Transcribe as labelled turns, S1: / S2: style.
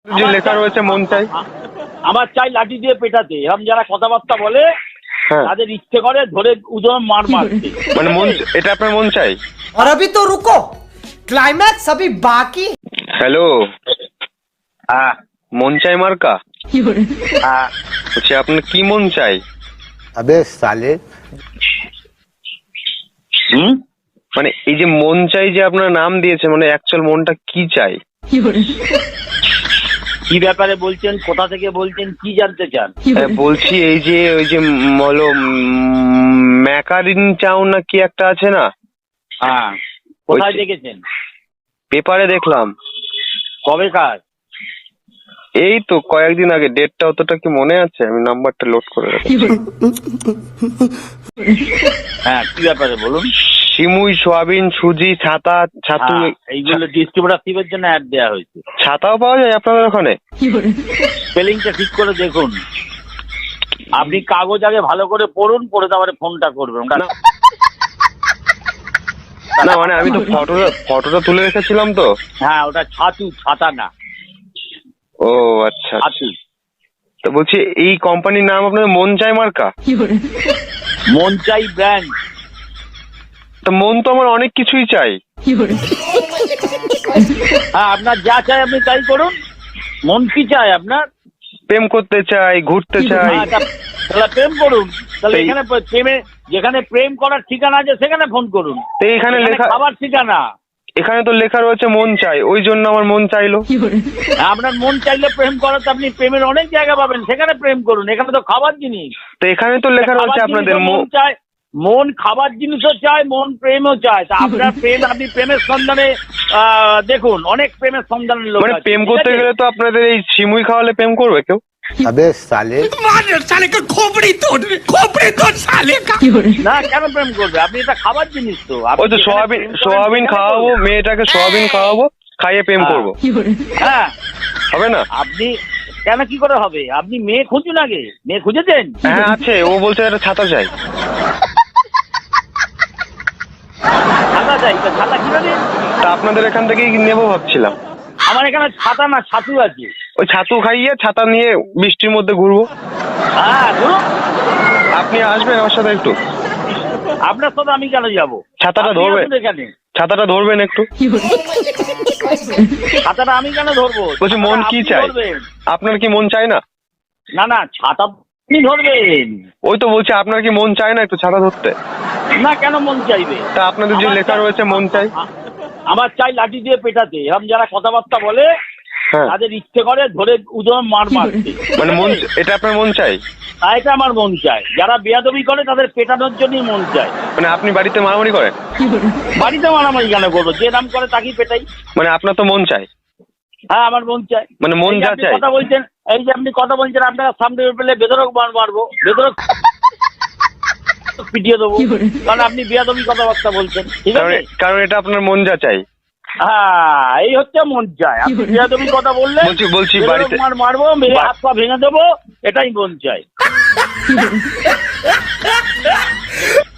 S1: যে লেখা রয়েছে মন চাই।
S2: আমার চাই লাঠি দিয়ে পেটাতে, এরকম যারা কথাবার্তা বলে তাদের ইচ্ছে করে ধরে উদম মার মারতে।
S1: মানে মন, এটা আপনার মন চাই।
S3: और अभी तो रुको, क्लाइमैक्स अभी बाकी।
S1: হ্যালো,
S2: হ্যাঁ
S1: মন চাই মার্কা
S2: হ্যাঁ।
S1: বলছি, আপনার কি মন চাই?
S4: अबे साले
S2: হুম,
S1: মানে এই যে মন চাই যে আপনার নাম দিয়েছে, মানে অ্যাকচুয়াল মনটা কি চাই?
S2: কি ব্যাপারে বলছেন, কোথা থেকে বলছেন, কি জানতে চান?
S1: বলছি এই যে ওই যে বলো ম্যাকারিন চাউ না কি একটা আছে না,
S2: হ্যাঁ, কোথায় দেখেছেন?
S1: পেপারে দেখলাম।
S2: কবে কাজ?
S1: এই তো কয়েকদিন আগে, ডেটটা অতটা কি মনে আছে? আমি নাম্বারটা লোড করে রাখছি।
S2: হ্যাঁ, কি ব্যাপারে বলুন।
S1: সিমুই, সোয়াবিন, সুজি, ছাতা, ছাতু,
S2: এইগুলো ডিস্ট্রিবিউটারশিপের জন্য অ্যাড দেওয়া হয়েছে।
S1: ছাতাও পাওয়া যায় আপনাদের ওখানে?
S2: স্পেলিংটা ঠিক করে দেখুন। আপনি কাগজ আগে ভালো করে পড়ুন, পড়ে তারপরে ফোনটা করবেন।
S1: না মানে আমি তো ফটোটা তুলে রেখেছিলাম তো।
S2: হ্যাঁ, ওটা ছাতু, ছাতা না।
S1: ও আচ্ছা,
S2: ছাতু।
S1: তো বলছি এই কোম্পানির নাম আপনাদের মন চাই মার্কা?
S2: মন চাই ব্র্যান্ড।
S1: তো মন তো আমার অনেক কিছুই চাই।
S2: হ্যাঁ, আপনার যা চাই আপনি তাই করুন। মন কি চাই আপনার?
S1: প্রেম করতে চাই, ঘুরতে চাই।
S2: তাহলে প্রেম করুন। তাহলে
S1: সেই-
S2: এখানে প্রেমে, যেখানে প্রেম করার ঠিকানা আছে সেখানে ফোন করুন।
S1: তো এখানে লেখা,
S2: খাবার ঠিকানা।
S1: এখানে তো লেখা রয়েছে মন চাই, ওই জন্য আমার মন চাইলো।
S2: আপনার মন চাইলে প্রেম করাতে আপনি প্রেমের অনেক জায়গা পাবেন, সেখানে প্রেম করুন। এখানে তো খাবার জিনিস।
S1: তো এখানে তো লেখা রয়েছে
S2: খাবার
S1: আপনাদের
S2: জিনিসও মন চায়, মন খাবার জিনিসও চায়, মন প্রেমও চায়। তা আপনার প্রেম, আপনি প্রেমের সন্ধানে দেখুন, অনেক প্রেমের সন্ধানের লোক
S1: মানে
S2: আছে,
S1: প্রেম
S2: ঠিক
S1: করতে
S2: আছে?
S1: গেলে তো আপনাদের এই সিমুই খাওয়ালে প্রেম করবে কেউ?
S4: अबे साले
S2: না, কেন প্রেম করবে? আপনি এটা খাবার জিনিস তো। আপনি
S1: ওই তো
S2: যেখানে
S1: সোয়াবিন,
S2: প্রেম করেন
S1: সোয়াবিন
S2: সেখানে
S1: খাওয়াবো,
S2: করবেন।
S1: মেয়েটাকে সোয়াবিন খাওয়াবো, খাইয়ে প্রেম
S2: হ্যাঁ।
S1: করবো,
S2: হ্যাঁ,
S1: হবে না?
S2: আপনি কেন, কি করে হবে? আপনি মেয়ে খুঁজুন আগে। মেয়ে খুঁজেছেন?
S1: হ্যাঁ আছে, ও বলছে একটা ছাতা চাই।
S2: ছাতা চাই, তা ছাতা কিভাবে?
S1: তা আপনাদের এখান থেকেই নেবো ভাবছিলাম।
S2: আমার এখানে ছাতা না, ছাতু আছে।
S1: ওই ছাতু খাইয়ে ছাতা নিয়ে বৃষ্টির মধ্যে ঘুরবো।
S2: হ্যাঁ, ধরুন।
S1: আপনি আসবেন আমার সাথে একটু?
S2: আপনার সাথে আমি কেন যাবো?
S1: ছাতাটা
S2: আপনি
S1: ধরবে?
S2: আসুন এখানে।
S1: ছাতাটা ধরবেন একটু?
S2: ছাতাটা আমি কেন ধরবো?
S1: বলছি মন
S2: ছাতাটা
S1: কি
S2: আপনি
S1: চাই?
S2: ধরবেন।
S1: আপনার কি মন চায় না?
S2: না না, ছাতা আপনি ধরবেন।
S1: ওই তো বলছি, আপনার কি মন চায় না একটু ছাতা ধরতে?
S2: না, কেন মন চাইবে?
S1: তা আপনাদের যে
S2: আমার
S1: লেখা
S2: চাই-
S1: রয়েছে মন চাই।
S2: আমার চাই লাঠি দিয়ে পেটাতে, এরকম যারা কথাবার্তা বলে
S1: হ্যাঁ,
S2: তাদের ইচ্ছে করে ধরে উদম মার মারতে।
S1: মানে মন, এটা আপনার মন চাই?
S2: আর এটা আমার মন চায়। যারা বেয়াদবি করে তাদের পেটানোর জন্যই মন চায়।
S1: মানে আপনি বাড়িতে মারামারি করেন?
S2: বাড়িতে মারামারি কেন করবো? যে নাম করে তাকেই পেটাই।
S1: মানে আপনার তো মন চাই,
S2: হ্যাঁ, আমার মন চায়।
S1: মানে মন
S2: এই যে
S1: যা
S2: আপনি
S1: চাই।
S2: কথা বলছেন, এই যে আপনি কথা বলছেন, আপনার সামনে পেলে বেদরক মারবো, বেদরক পিটিয়ে দেবো। কারণ আপনি বেয়াদবি কথাবার্তা বলছেন, ঠিক আছে?
S1: কারণ এটা আপনার মন যা চাই।
S2: হ্যাঁ, এই হচ্ছে মন চায়। আপনি বেয়াদবি কথা বললে
S1: বলছি
S2: বেদরক
S1: বাড়িতে
S2: মারবো, মেরে হাত পা ভেঙে দেবো, এটাই মন চায়।